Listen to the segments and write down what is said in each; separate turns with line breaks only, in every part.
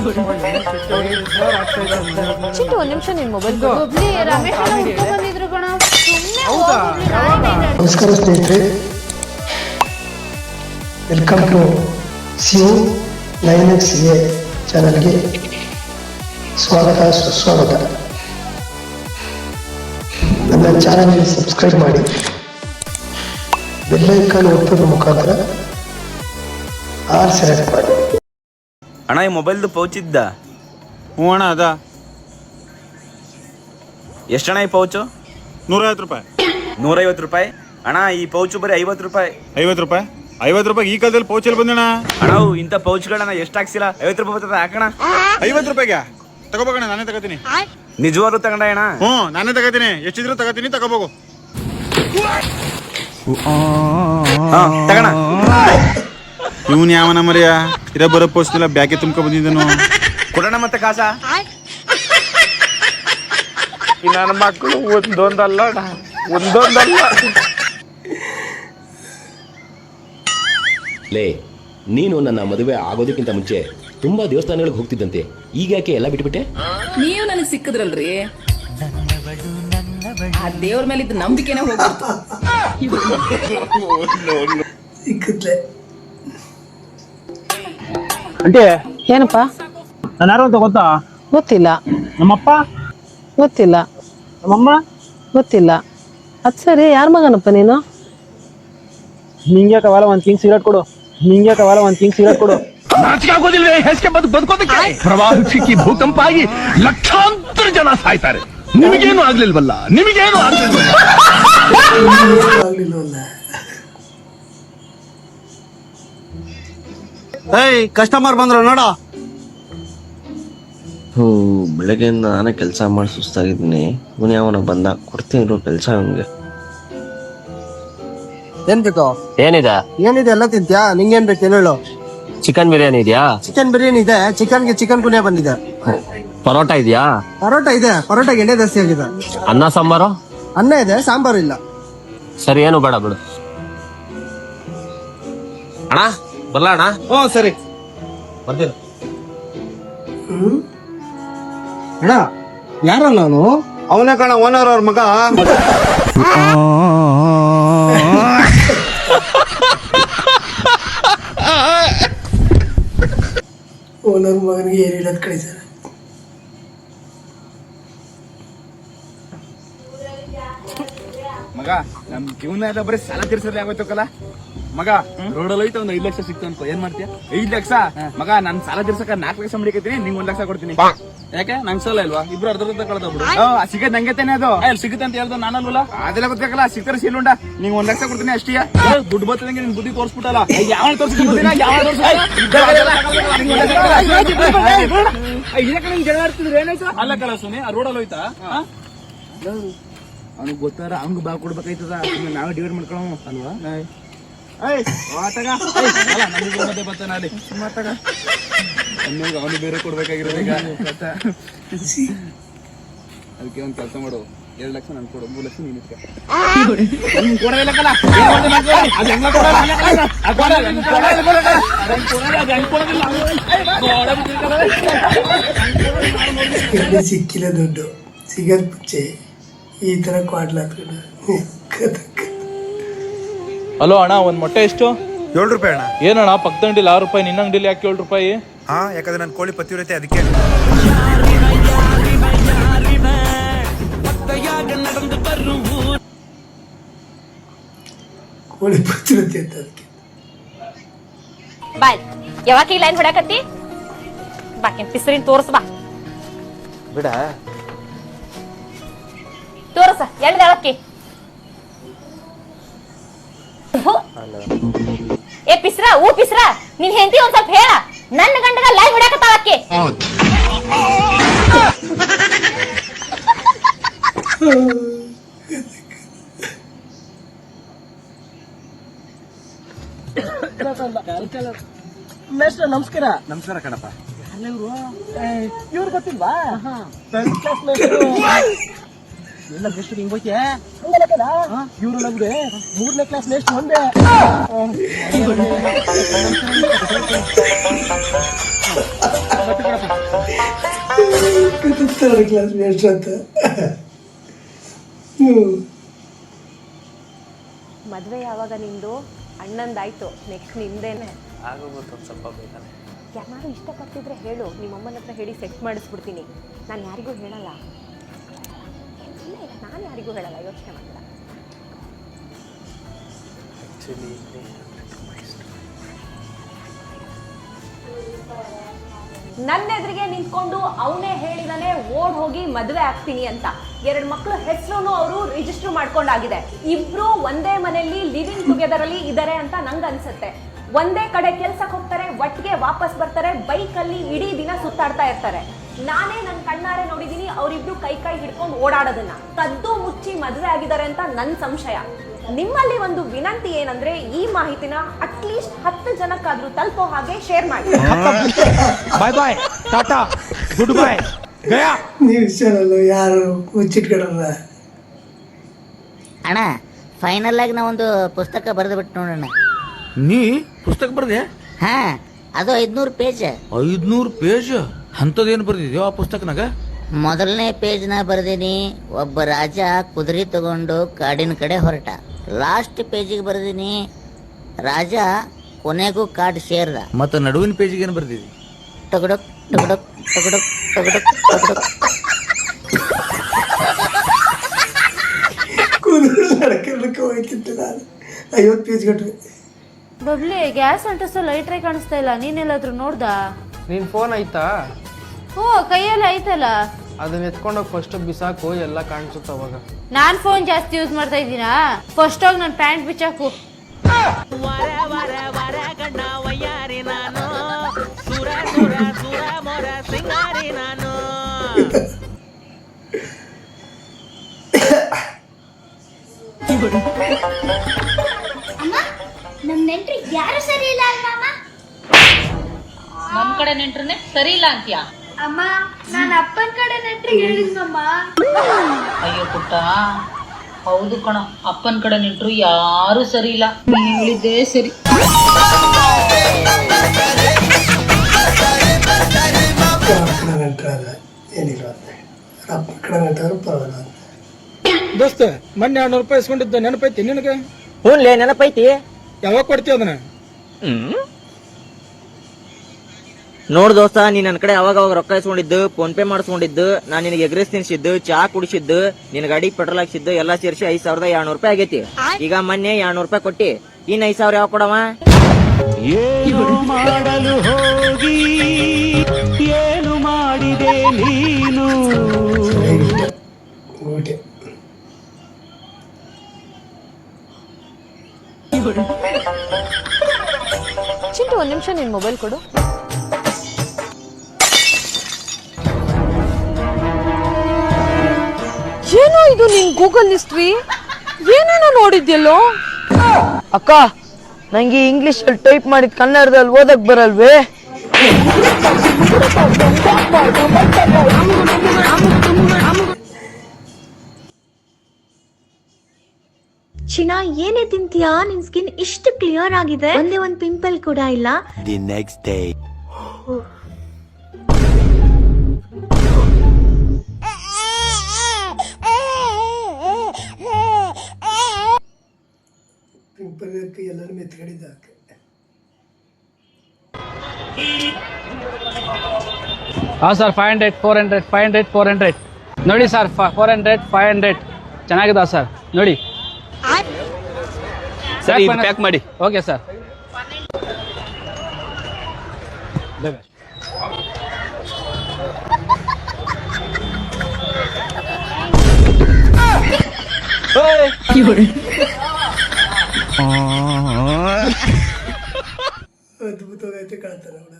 ಚಿಟ್ಟು ಒಂದ್ ನಿಮಿಷ ನಿನ್ ಮೊಬೈಲ್ ರಮೇಶ್ ಬಂದಿದ್ರು ಕಣ.
ನಮಸ್ಕಾರ ಸ್ನೇಹಿತರೆ, ವೆಲ್ಕಮ್ ಟು ಸಿಯು 9XA ಚಾನಲ್ಗೆ ಸ್ವಾಗತ ಸುಸ್ವಾಗತ. ನನ್ನ ಚಾನಲ್ಗೆ ಸಬ್ಸ್ಕ್ರೈಬ್ ಮಾಡಿ, ಬೆಲ್ ಐಕಾನ್ ಒತ್ತೋದ್ರ ಮುಖಾಂತರ ಆಲ್ ಸೆಲೆಕ್ಟ್ ಮಾಡಿ.
ಅಣ್ಣ ಈ ಮೊಬೈಲ್ದು ಪೌಚ್ ಇದ್ದ?
ಹ್ಞೂ ಅಣ್ಣ ಅದ.
ಎಷ್ಟಣ್ಣ ಈ ಪೌಚು?
150 ರೂಪಾಯಿ.
150 ರೂಪಾಯಿ ಅಣ್ಣ. ಈ ಪೌಚು ಬರೀ 50 ರೂಪಾಯಿ.
50 ರೂಪಾಯಿ? 50 ರೂಪಾಯಿ ಈ ಕಾಲದಲ್ಲಿ ಪೌಚಲ್ಲಿ ಬಂದಣ್ಣ.
ಅಣ್ಣ ಇಂಥ ಪೌಚ್ಗಳನ್ನ ಎಷ್ಟು ಹಾಕ್ಸಿಲ್ಲ? 50 ರೂಪಾಯಿ ಬರ್ತದೆ ಹಾಕಣ.
50 ರೂಪಾಯಿಗೆ ತಗೋಬೇಕಣ್ಣ, ನಾನೇ ತಗೋತೀನಿ.
ನಿಜವಾಗ್ಲೂ ತಗೊಂಡ ಅಣ್ಣ?
ಹ್ಞೂ ನಾನೇ ತಗೋತೀನಿ, ಎಷ್ಟಿದ್ರು ತಗೋತೀನಿ, ತಗೋಬೇಕು.
ತಗೋಣ.
ಇವನ್ ಯಾವನ ಮರಿಯ ಇರ ಬರೋ ಪೋಸ್ಟಿಲ್ಲ, ಬ್ಯಾಕೆ ತುಂಬ್ಕೊ ಬಂದಿದ್ದನು.
ಕೊಡೋಣ ಮತ್ತೆ ಕಾಸ.
ನನ್ನ ಮಕ್ಕಳು ಒಂದೊಂದಲ್ಲ
ಲೇ, ನೀನು ನನ್ನ ಮದುವೆ ಆಗೋದಕ್ಕಿಂತ ಮುಂಚೆ ತುಂಬಾ ದೇವಸ್ಥಾನಗಳಿಗೆ ಹೋಗ್ತಿದ್ದಂತೆ, ಈಗ ಯಾಕೆ ಎಲ್ಲ ಬಿಟ್ಬಿಟ್ಟೆ?
ನೀವು ನನಗೆ ಸಿಕ್ಕಿದ್ರಲ್ರಿ, ಆ ದೇವ್ರ ಮೇಲೆ ಇದ್ದ ನಂಬಿಕೆನೇ ಹೋಗ್ಬಿಡ್ತು.
ಸಿಕ್ಕತ್ಲೆ
ಅಂಟೆ.
ಏನಪ್ಪ?
ನಾನು ಯಾರು ಅಂತ ಗೊತ್ತಾ?
ಗೊತ್ತಿಲ್ಲ.
ನಮ್ಮಪ್ಪ?
ಗೊತ್ತಿಲ್ಲ.
ನಮ್ಮಮ್ಮ?
ಗೊತ್ತಿಲ್ಲ. ಅದ್ ಸರಿ, ಯಾರ ಮಗನಪ್ಪ ನೀನು?
ನಿಂಗೆ ಕವಾಲ ಒಂದ್ ಕಿಂಗ್ ಸಿಗರೇಟ್ ಕೊಡು.
ನಾಚಿಕಾಗೋದಿಲ್ವೇ? ಹೆಸ್ಗೆ ಬದುಕೋದಕ್ಕೆ ಪ್ರವಾಹಕ್ಕೆ ಭೂಕಂಪ ಆಗಿ ಲಕ್ಷಾಂತರ ಜನ ಸಾಯ್ತಾರೆ. ನಿಮಗೇನು ಆಗ್ಲಿಲ್ವಲ್ಲ.
ಏಯ್, ಕಸ್ಟಮರ್ ಬಂದ್ರು ನೋಡ.
ಬೆಳಗ್ಗೆಯಿಂದ ನಾನೇ ಕೆಲಸ ಮಾಡಿ ಸುಸ್ತಾಗಿದ್ದೀನಿ. ಇವನು ಯಾವನ ಬಂದ, ಕೊಡ್ತೀನಿ ಕೆಲಸ ಅವನಿಗೆ.
ಏನ್ ಬೇಕು?
ಏನಿದೆ
ಎಲ್ಲ ತಿಂತ್ಯಾ? ನಿಂಗೇನ್ ಬೇಕು ಹೇಳು.
ಚಿಕನ್ ಬಿರಿಯಾನಿ ಇದೆಯಾ?
ಚಿಕನ್ ಬಿರಿಯಾನಿ ಇದೆ. ಚಿಕನ್ ಕುನಿಯ ಬಂದಿದೆ.
ಪರೋಟ ಇದೆಯಾ?
ಪರೋಟ ಇದೆ. ಪರೋಟಗೆ ಎಣ್ಣೆ ಜಾಸ್ತಿ ಆಗಿದೆ.
ಅನ್ನ ಸಾಂಬಾರು?
ಅನ್ನ ಇದೆ, ಸಾಂಬಾರು ಇಲ್ಲ.
ಸರಿ, ಏನು ಬೇಡ ಬಿಡು. ಅಣ್ಣ ಬರ್ಲ ಅಣ್ಣ?
ಹ್ಞೂ ಸರಿ
ಬರ್ತೀನಿ.
ಅಣ್ಣ, ಯಾರಲ್ಲ ಅವನು? ಅವನೇ ಕಣ, ಓನರ್ ಅವ್ರ ಮಗ.
ಓನರ್ ಮಗನಿಗೆ ಏನು ಹೇಳೋದು ಕಳಿಸ್ಯಾರ.
ಮಗ, ನಮ್ ಜೀವನ ಎಲ್ಲ ಬರೀ ಸಾಲ ತೀರ್ಸೋದೇ ಆಗೋಯ್ತಕ್ಕಲ್ಲ. ಮಗ, ರೋಡಲ್ಲಿ ಹೋಯ್ತು 5 ಲಕ್ಷ ಸಿಕ್ತಂತ ಏನ್ ಮಾಡ್ತೀಯ? 5 ಲಕ್ಷ? ಮಗ, ನಾನ್ ಸಾಲ ತೀರ್ಸಕ 4 ಲಕ್ಷ ಮಾಡಿಕತ್ತೀನಿ, ನಿಂಗ್ 1 ಲಕ್ಷ ಕೊಡ್ತೀನಿ. ಯಾಕೆ? ನಂಗೆ ಸಾಲ ಇಲ್ವಾ? ಇಬ್ರು ಅರ್ಧ ಕಳೆದೋಗ್ಬಿಡು. ಸಿಗದ್ ನಂಗೆ ತಾನೆ ಅದು. ಸಿಗುತ್ತೆ ಅಂತ ಹೇಳ್ದು ನಾನಲ್ವಲ್ಲ, ಅದೆಲ್ಲ ಗೊತ್ತಾಗಲ್ಲ. ಸಿಗ್ತಾರೆ ಸೀಲುಂಡ, ನಿಂಗ್ 1 ಲಕ್ಷ ಕೊಡ್ತೀನಿ ಅಷ್ಟೇ. ದುಡ್ಡು ಬರ್ತದಂಗೆ ನಿನ್ ಬುದ್ಧಿ ತೋರಿಸ್ಬಿಟ್ಟಲ್ಲ. ಯಾವ ತೋರಿಸ್ತೀನಿ? ಅಲ್ಲ ಕಲ ಸುನಿ, ಆ ರೋಡಲ್ಲಿ ಹೋಯ್ತಾ? ಅವ್ನಿಗೆ ಗೊತ್ತಾರ ಹಂಗ ಬಾ ಕೊಡ್ಬೇಕಾಯ್ತದ. ನಾವೇ ಡಿವೈಡ್ ಮಾಡ್ಕೊಳ ಅಲ್ವಾ? ಅವನು ಬೇರೆ ಕೊಡ್ಬೇಕಾಗಿರೋದು ಈಗ. ಅದಕ್ಕೆ ಒಂದ್ ಕೆಲಸ ಮಾಡು, 2 ಲಕ್ಷ ನನ್ ಕೊಡು, 3 ಲಕ್ಷ ನೀನು
ಸಿಕ್ಕಿಲ್ಲ ದುಡ್ಡು. ಸಿಗದ್ ಮುಂಚೆ ಈ ತರ ಕ್ವಾಡ್ಲಾತ್ಕೊಂಡು.
ಹಲೋ ಅಣ್ಣ, ಒಂದ್ ಮೊಟ್ಟೆ ಎಷ್ಟು?
7 ರೂಪಾಯಿ ಅಣ್ಣ.
ಏನಣ್ಣ, ಪಕ್ಕದ ಅಂಗಡಿಲಿ 6 ರೂಪಾಯಿ, ನಿನ್ನ ಅಂಗಡಿಲಿ ಯಾಕೆ 7 ರೂಪಾಯಿ?
ಹಾ, ಯಾಕಂದ್ರೆ ನನ್ನ ಕೋಳಿ ಪತಿವ್ರತೆ, ಅದಕ್ಕೆ.
ಕೋಳಿ ಪತ್ತಿರುತ್ತೆ ಅಂತ ಅದಕ್ಕೆ.
ಬಾಯ್, ಯಾವಾಗ ಈ ಲೈನ್ ಹೊಡಕತ್ತಿ? ಬಾಕಿನ್ ಪಿಸರಿನ್ ತೋರ್ಸ್ ಬಾ.
ಬಿಡ
ತೋರ್ಸ, ಎಲ್ಲಿ ಹೇಳಕ್ಕಿ? ಏ ಪಿಸ್ರ, ನಿನ್ ಹೆಂಡತಿ ಒಂದ್ ಸ್ವಲ್ಪ ಹೇಳ. ನನ್ನ ಗಂಡಗ ಲೈನ್ ಹೊಡಕತ್ತಾಳಕ್ಕೆ.
ನಮಸ್ಕಾರ.
ನಮಸ್ಕಾರ ಕಣಪ್ಪ.
ಇವ್ರು ಗೊತ್ತಿಲ್ವಾ? ಎಲ್ಲ ಎಷ್ಟು ಹಿಂಗ್ ಹೋಯ್ತೆ ಇವ್ರು ನಮ್ಗೆ 3ನೇ ಕ್ಲಾಸ್ ನೆಕ್ಸ್ಟ್ ಒಂದೇ. ಮತ್ತೆ
ಥರ್ಡ್ ಕ್ಲಾಸ್ ಮೇಷ್ಟ್ರು ಅಂತ.
ಮದ್ವೆ ಯಾವಾಗ ನಿಂದು? ಅಣ್ಣಂದಾಯ್ತು, ನೆಕ್ಸ್ಟ್ ನಿಂದೇನೆ.
ಆಗೋಗುತ್ತೆ ಒಂದು ಸ್ವಲ್ಪ ಬೇಕಂದ್ರೆ.
ಯಾರು ಇಷ್ಟಪಡ್ತಿದ್ರೆ ಹೇಳು, ನಿಮ್ಮಮ್ಮನ ಹತ್ರ ಹೇಳಿ ಸೆಟ್ ಮಾಡಿಸ್ಬಿಡ್ತೀನಿ. ನಾನು ಯಾರಿಗೂ ಹೇಳಲ್ಲ. ಇಲ್ಲ ಇಲ್ಲ, ನಾನು ಯಾರಿಗೂ ಹೇಳಲ್ಲ, ಯೋಚನೆ ಮಾಡಲ್ಲ.
ಆ್ಯಕ್ಚುಲಿ
ನನ್ನ ಎದುರಿಗೆ ನಿಂತ್ಕೊಂಡು ಅವನೇ ಹೇಳಿದಾನೆ ಓಡ್ ಹೋಗಿ ಮದುವೆ ಆಗ್ತೀನಿ ಅಂತ. 2 ಮಕ್ಕಳು ಹೆಸರು ಅವರು ರಿಜಿಸ್ಟರ್ ಮಾಡ್ಕೊಂಡಾಗಿದೆ. ಇಬ್ರು ಒಂದೇ ಮನೆಯಲ್ಲಿ ಲಿವಿಂಗ್ ಟುಗೆದರ್ ಅಲ್ಲಿ ಇದಾರೆ ಅಂತ ನಂಗೆ ಅನ್ಸುತ್ತೆ. ಒಂದೇ ಕಡೆ ಕೆಲ್ಸಕ್ಕೆ ಹೋಗ್ತಾರೆ, ಒಟ್ಟಿಗೆ ವಾಪಸ್ ಬರ್ತಾರೆ, ಬೈಕಲ್ಲಿ ಇಡೀ ದಿನ ಸುತ್ತಾಡ್ತಾ ಇರ್ತಾರೆ. ನಾನೇ ನನ್ನ ಕಣ್ಣಾರೆ ನೋಡಿದೀನಿ ಅವರಿಬ್ರು ಕೈ ಕೈ ಹಿಡ್ಕೊಂಡು ಓಡಾಡೋದನ್ನ. ಕದ್ದು ಮುಚ್ಚಿ ಮದುವೆ ಆಗಿದ್ದಾರೆ ಅಂತ ನನ್ನ ಸಂಶಯ. ನಿಮ್ಮಲ್ಲಿ ಒಂದು ವಿನಂತಿ ಏನಂದ್ರೆ, ಈ ಮಾಹಿತಿನ ಅಟ್ಲೀಸ್ಟ್ 10 ಜನಕ್ಕಾದ್ರೂ ತಲುಪೋ ಹಾಗೆ ಶೇರ್ ಮಾಡಿ.
ಬಾಯ್ ಬಾಯ್, ಟಾಟಾ, ಗುಡ್ ಬಾಯ್, ಗಯಾ.
ನೀವು ಚಾನಲ್ ಯಾರು ಮುಚ್ಚಿಟ್ಕೊಳಲ್ಲ.
ಅಣ್ಣ ಫೈನಲ್ ಆಗಿ ನಾ ಒಂದು ಪುಸ್ತಕ ಬರೆದು ಬಿಟ್ಟು ನೋಡೋಣ.
ನೀ ಪುಸ್ತಕ ಬರ್ದೆ?
ಹಾ, ಅದು 500 ಪೇಜ್.
500 ಪೇಜ್? ಅಂಥದ್ದೇನು ಬರ್ದಿದ್ಯೋ ಆ ಪುಸ್ತಕನಾಗ?
ಮೊದಲನೇ ಪೇಜ್ನ ಬರ್ದೀನಿ, ಒಬ್ಬ ರಾಜ ಕುದುರೆ ತಗೊಂಡು ಕಾಡಿನ ಕಡೆ ಹೊರಟ. ಲಾಸ್ಟ್ ಪೇಜಿಗೆ ಬರ್ದೀನಿ, ರಾಜ ಕೊನೆಗೂ ಕಾಡು ಸೇರ್ದ.
ಮತ್ತೆ ನಡುವಿನ ಪೇಜಿಗೆ ಏನು ಬರ್ದಿದ್ದಿ?
ಟಗಡಕ್ ಟಗಡಕ್ ಟಗಡಕ್ ಟಗಡಕ್ ಟಗಡಕ್.
ಕೂದಲು ನಡ್ಕೊಂಡಕ್ಕೆ ಹೋಯ್ತಿತ್ತು ನಾನು. 50 ಪೇಜ್ ಗಟ್ಟಲೆ.
ಬಬ್ಲಿ, ಗ್ಯಾಸ್ ಅಂಟಿಸೋ ಲೈಟ್ರೇ ಕಾಣಿಸ್ತಾ ಇಲ್ಲ. ನೀನೆಲ್ಲಾದ್ರೂ ನೋಡ್ದ?
ನಿನ್ನ ಫೋನ್ ಆಯ್ತಾ?
ಓ, ಕೈಯಲ್ಲಿ ಐತಲ್ಲ.
ಅದನ್ನ ಎತ್ಕೊಂಡೋಗಿ ಫಸ್ಟ್ ಬಿಸಾಕು, ಎಲ್ಲ ಕಾಣಿಸುತ್ತೆ ಅವಾಗ.
ನಾನ್ ಫೋನ್ ಜಾಸ್ತಿ ಯೂಸ್ ಮಾಡ್ತಾ ಇದ್ದೀನಾ? ಫಸ್ಟ್ ಹೋಗಿ ನನ್ನ ಪ್ಯಾಂಟ್ ಬಿಚ್ಚಾಕು.
ನಮ್ ನೆಂಟ್ರಿ ಯಾರು ಸರಿ ಇಲ್ಲ ಅಮ್ಮ.
ನಮ್ ಕಡೆ ನೆಂಟ್ರನ್ನೇ ಸರಿ ಇಲ್ಲ ಅಂತೀಯ?
ಅಮ್ಮ, ನಾನು ಅಪ್ಪನ ಕಡೆ ನೆಂಟ್ರಿಗೆ ಹೇಳಿದ್ನಮ್ಮ.
ಅಯ್ಯೋ ಪುಟ್ಟ, ಹೌದು ಕಣ, ಅಪ್ಪನ ಕಡೆ ನೆಂಟ್ರು ಯಾರು ಸರಿ ಇಲ್ಲ. ನೀನ್ ಹೇಳಿದ್ದೇ ಸರಿ.
ಕಡೆ ನೆಂಟ್ರಾದ ಏನಿಲ್ಲ, ಅಪ್ಪನ ಕಡೆ ನೆಂಟಾದ್ರು ಪರವಾಗಿಲ್ಲ.
ದೋಸ್ತ, ಮೊನ್ನೆ 200 ರೂಪಾಯಿ ಇಸ್ಕೊಂಡಿದ್ದ ನೆನಪೈತಿ ನಿನಗೆ? ಹ್ಞೂ ನೆನಪೈತಿ. ಯಾವಾಗ ಕೊಡ್ತೀವಿ ಅದನ್ನ? ನೋಡ್ ದೋಸ್ತ, ನೀ ನನ್ನ ಕಡೆ ಅವಾಗ ರೊಕ್ಕ ಇಸ್ಕೊಂಡಿದ್ದು, ಫೋನ್ ಪೇ ಮಾಡಿಸ್ಕೊಂಡಿದ್ದು, ನಾನು ನಿನಗೆ ಎಗ್ರೆಸ್ ತಿನ್ಸಿದ್ದು, ಚಾ ಕುಡಿಸಿದ್ದು, ನಿನ್ ಗಾಡಿ ಪೆಟ್ರೋಲ್ ಹಾಕ್ಸಿದ್ದು ಎಲ್ಲ ಸೇರಿಸಿ 5200 ರೂಪಾಯಿ ಆಗೈತಿ. ಈಗ ಮೊನ್ನೆ 200 ರೂಪಾಯಿ ಕೊಟ್ಟಿ, ಇನ್ 5000 ಯಾವ ಕೊಡವ?
ಏನು ಮಾಡಲು ಹೋಗಿ ಏನು ಮಾಡಿದೆ ನೀನು?
ಊಟೆ
ಚಿಂಟು, 1 ನಿಮಿಷ ನಿನ್ ಮೊಬೈಲ್ ಕೊಡು. ಏನೋ ಇದು ನಿನ್ ಗೂಗಲ್ ಹಿಸ್ಟ್ರಿ? ಏನೇನೋ ನೋಡಿದ್ಯಲ್ಲೋ?
ಅಕ್ಕ, ನಂಗೆ ಇಂಗ್ಲಿಷ್ ಅಲ್ಲಿ ಟೈಪ್ ಮಾಡಿದ್ ಕನ್ನಡದಲ್ಲಿ ಓದಕ್ ಬರಲ್ವೇ?
ಚಿನ್ನ, ಏನೇ ತಿಂತೀಯಾ? ನಿನ್ ಸ್ಕಿನ್ ಇಷ್ಟು ಕ್ಲಿಯರ್ ಆಗಿದೆ, ಒಂದೇ ಒಂದು ಪಿಂಪಲ್ ಕೂಡ ಇಲ್ಲ.
The next day.
ಪಿಂಪಲ್ ಎಲ್ಲರೂ ಮೆತ್ಕಡಿದ್ದ.
ಹಾಂ ಸರ್, 500 400 500 400 ನೋಡಿ ಸರ್. 400 500 ಚೆನ್ನಾಗಿದೆ ಸರ್, ನೋಡಿ.
ಸರಿ, ಪ್ಯಾಕ್ ಮಾಡಿ.
Okay sir.
ಅದ್ಭುತವಾಗೈತೆ ಕಾಣ್ತಾನೆ ಅವಳ.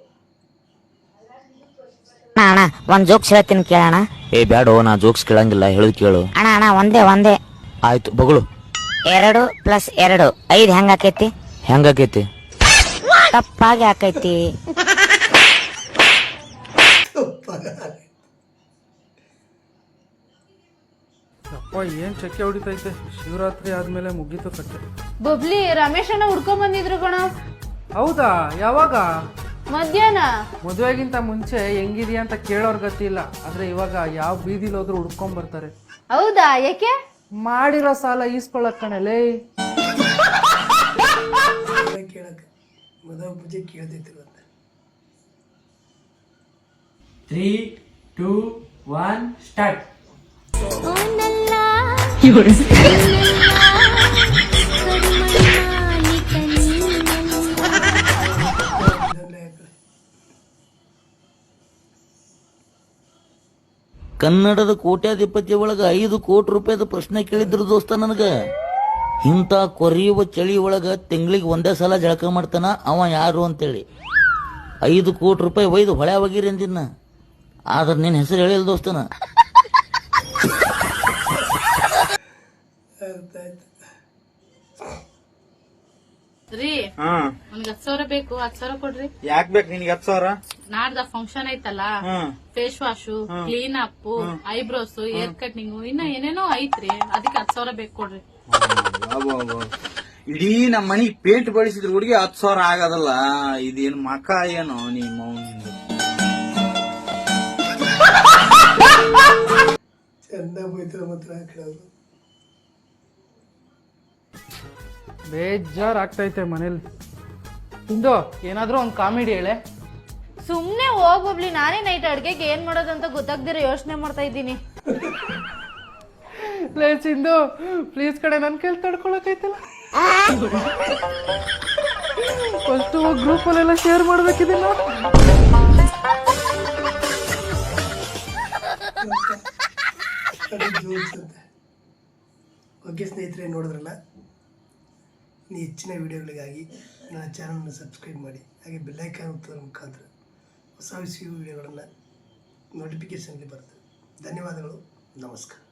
ಅಣ್ಣ, ಒಂದ್ ಜೋಕ್ಸ್ ಹೇಳ್ತೀನಿ ಕೇಳೋಣ.
ಏ ಬ್ಯಾಡೋ, ನಾ ಜೋಕ್ಸ್ ಕೇಳಂಗಿಲ್ಲ, ಹೇಳುದು ಕೇಳು.
ಅಣ್ಣ ಒಂದೇ.
ಆಯ್ತು, ಬಗಳು.
2 + 2 5 ಹೆಂಗಾಕೈತಿ?
ಹೆಂಗಾಕೈತಿ?
ತಪ್ಪಾಗಿ ಆಕೈತಿ.
ಅಪ್ಪ, ಏನ್ ಚಕ್ಕೆ ಹೊಡಿತೈತೆ. ಶಿವರಾತ್ರಿ ಆದ್ಮೇಲೆ ಮುಗೀತು ಕಟ್ಟೆ.
ಬಬ್ಲಿ, ರಮೇಶ್ ಅಣ್ಣ ಹುಡ್ಕೊಂಡ್ ಬಂದಿದ್ರು ಕಣ.
ಹೌದಾ? ಯಾವಾಗ?
ಮಧ್ಯಾಹ್ನ
ಮದುವೆಗಿಂತ ಮುಂಚೆ ಹೆಂಗಿದ್ಯಾ ಅಂತ ಕೇಳೋರ್ ಗತಿ ಇಲ್ಲ, ಆದ್ರೆ ಇವಾಗ ಯಾವ ಬೀದಿಲಿ ಹೋದ್ರು ಹುಡ್ಕೊಂಡ್ ಬರ್ತಾರೆ.
ಹೌದಾ? ಯಾಕೆ?
ಮಾಡಿರೋ ಸಾಲ ಈಸ್ಕೊಳ್ಳಕ್ ಕಣಲೇ.
ಕೇಳಕ್ಕೆ ಮದುವೆ ಪೂಜೆ ಕೇಳ್ತೈತಿಲ್ಲ.
3, 2, 1 ಸ್ಟಾರ್ಟ್.
ಕನ್ನಡದ ಕೋಟ್ಯಾಧಿಪತಿ ಒಳಗ 5 ಕೋಟಿ ರೂಪಾಯಿದ ಪ್ರಶ್ನೆ ಕೇಳಿದ್ರು ದೋಸ್ತ ನನಗ. ಇಂಥ ಕೊರಿಯುವ ಚಳಿ ಒಳಗ ತಿಂಗಳಿಗೆ ಒಂದೇ ಸಲ ಜಳಕ ಮಾಡ್ತಾನ ಅವ ಯಾರು ಅಂತೇಳಿ 5 ಕೋಟಿ ರೂಪಾಯಿ ಒಯ್ದು ಹೊಳೆ ಹೋಗಿರಿ ಅಂದಿನ. ಆದ್ರೆ ನಿನ್ನ ಹೆಸರು ಹೇಳಿಲ್ಲ ದೋಸ್ತನ.
ರೀ ನನ್ಗೆ 10,000 ಬೇಕು, 10,000 ಕೊಡ್ರಿ.
ಯಾಕೆ ಬೇಕು ನಿನ್ಗೆ 10,000?
ನಾಡ್ದ ಫಂಕ್ಷನ್ ಐತಲ್ಲ, face wash, clean up, eyebrows, hair cutting, ಇನ್ನ ಏನೇನೋ ಐತ್ರಿ, ಅದಕ್ಕೆ 10,000 ಬೇಕು ಕೊಡ್ರಿ.
ಇಡೀ ನಮ್ಮ ಮನಿ ಪೇಂಟ್ ಬಳಸಿದ್ರ ಹುಡುಗಿ 10,000 ಆಗದಲ್ಲ. ಇದೇನ್ ಮಕ ಏನೋ ನಿಮ್ಮ
ಚಂದ ಹೋಯ್ತು ಮಾತ್ರ ಕೇಳೋದು.
ಬೇಜಾರ್ ಆಗ್ತೈತೆ ಮನೇಲಿ. ಇಂದು ಏನಾದ್ರೂ ಒಂದ್ ಕಾಮಿಡಿ ಹೇಳೆ.
ಸುಮ್ನೆ ಹೋಗ್ಬಬ್ಲಿ, ನಾನೇ ನೈಟ್ ಅಡ್ಗೆಗೆ ಏನ್ ಮಾಡೋದಂತ ಗೊತ್ತಾಗ್ದಿರ ಯೋಚನೆ ಮಾಡ್ತಾ ಇದ್ದೀನಿ.
ಇಂದು ಪ್ಲೀಸ್ ಕಡೆ ನನ್ ಕೈಲಿ ತಡ್ಕೊಳಕೈತಲ್ಲ. ಫಸ್ಟ್ ಗ್ರೂಪ್ ಅಲ್ಲೆಲ್ಲ ಶೇರ್ ಮಾಡ್ಬೇಕಿದೆಲ್ಲ.
ಓಕೆ ಸ್ನೇಹಿತರೆ, ನೋಡಿದ್ರಲ್ಲ. ಇನ್ನು ಹೆಚ್ಚಿನ ವಿಡಿಯೋಗಳಿಗಾಗಿ ನನ್ನ ಚಾನಲ್ನ ಸಬ್ಸ್ಕ್ರೈಬ್ ಮಾಡಿ, ಹಾಗೆ ಬೆಲ್ಲೈಕಾನ್ ಒತ್ತೋದ್ರ ಮುಖಾಂತರ ಹೊಸ ವಿಡಿಯೋಗಳನ್ನು ನೋಟಿಫಿಕೇಷನ್ಗೆ ಬರ್ತದೆ. ಧನ್ಯವಾದಗಳು, ನಮಸ್ಕಾರ.